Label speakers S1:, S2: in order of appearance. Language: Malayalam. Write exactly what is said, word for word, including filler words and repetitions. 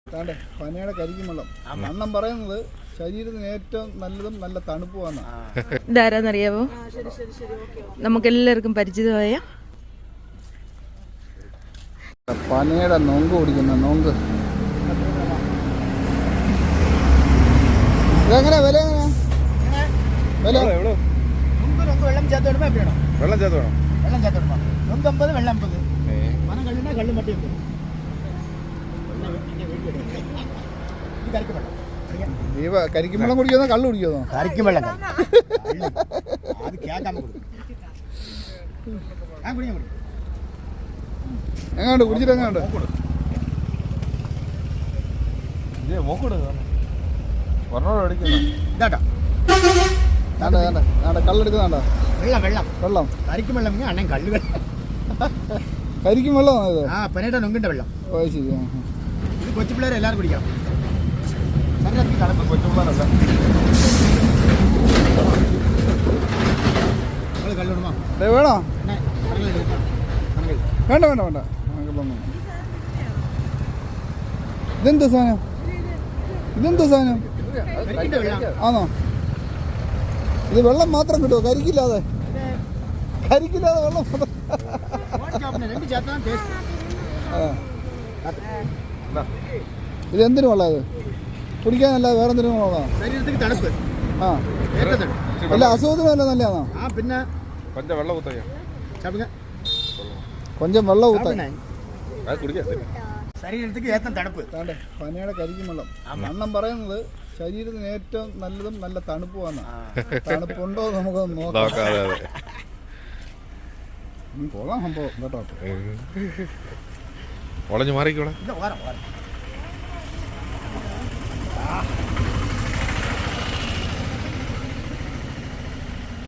S1: താണ്ടെ പനയുടെ കരിക്കും വെള്ളം. അണ്ണം പറയുന്നത് ശരീരത്തിന് ഏറ്റവും നല്ലതും നല്ല തണുപ്പുമാണ്.
S2: ഇതാരാന്നറിയാവോ? നമുക്കെല്ലാവർക്കും പരിചിതമായ
S1: പനയുടെ നൊങ്ക് കുടിക്കുന്ന നൊങ്ക്. ഇതെങ്ങനെ വില എങ്ങനെയാ വില?
S3: വെള്ളം ചേർത്ത് വിടുമ്പോ എപ്പോഴാണോ
S4: വെള്ളം ചേർത്ത് വേണം
S3: വെള്ളം ചേർത്ത് വിടുമ്പോ നൊമ്പമ്പത് വെള്ളം അമ്പത് പന കള്ളിനാ കള്ളും മട്ടി അമ്പത്.
S1: ഈ കരിക്കും വെള്ളം കുടിക്കുന്നോ കള്ളു കുടിക്കുന്നോ?
S3: കരിക്കും വെള്ളം അത് കേൾക്കാൻ ഞാൻ കുടിക്കാൻ കുടി
S1: എങ്ങാണ്ട് കുടിച്ചിട്ട് എങ്ങാണ്ട്
S3: ഇതാട്ടോ
S1: കള്ളെടുക്കുന്നുണ്ടോ?
S3: വെള്ളം വെള്ളം
S1: വെള്ളം
S3: കരിക്കും വെള്ളം അണ്ണൻ കള്ളു വെള്ളം
S1: കരിക്കും വെള്ളമാണോ ഇത്?
S3: ആ പനയുടെ നൊങ്കിന്റെ വെള്ളം.
S1: ഓ ശരി.
S3: ഇത് കൊച്ചു പിള്ളേരെ എല്ലാവരും കുടിക്കാം. കൊച്ചു പിള്ളേരല്ല കള്ളിടുമോ
S1: വേണോ? വേണ്ട വേണ്ട വേണ്ട. ഇതെന്താ സാധനം? ഇതെന്താ സാധനം ആണോ? ഇത് വെള്ളം മാത്രം കിട്ടുമോ? കരിക്കില്ലാതെ കരിക്കില്ലാതെ വെള്ളം ഇത് എന്തിനു വെള്ളം? ഇത് കുടിക്കാനല്ലാതെ വേറെ എന്തിനും വെള്ളമാണോ?
S3: ശരീരത്തിന് തണുപ്പ്.
S1: ആ അല്ല അസുഖത്തിനും അല്ല നല്ലതാണോ?
S3: ആ പിന്നെ
S4: കൊഞ്ചം വെള്ളം കുത്തയ്യ
S1: കൊഞ്ചം വെള്ളം കുത്താൻ
S3: ശരീരത്തിന് ഏറ്റവും തണുപ്പ്.
S1: താണ്ടെ പനയുടെ കരിക്കും വെള്ളം. അണ്ണം പറയുന്നത് ശരീരത്തിന് ഏറ്റവും നല്ലതും നല്ല തണുപ്പുമാണ്. തണുപ്പുണ്ടോ നമുക്കൊന്ന് നോക്കാം. കൊള്ളാം സംഭവം കേട്ടോ.
S4: ഒളഞ്ഞു മാറിക്കോളെ.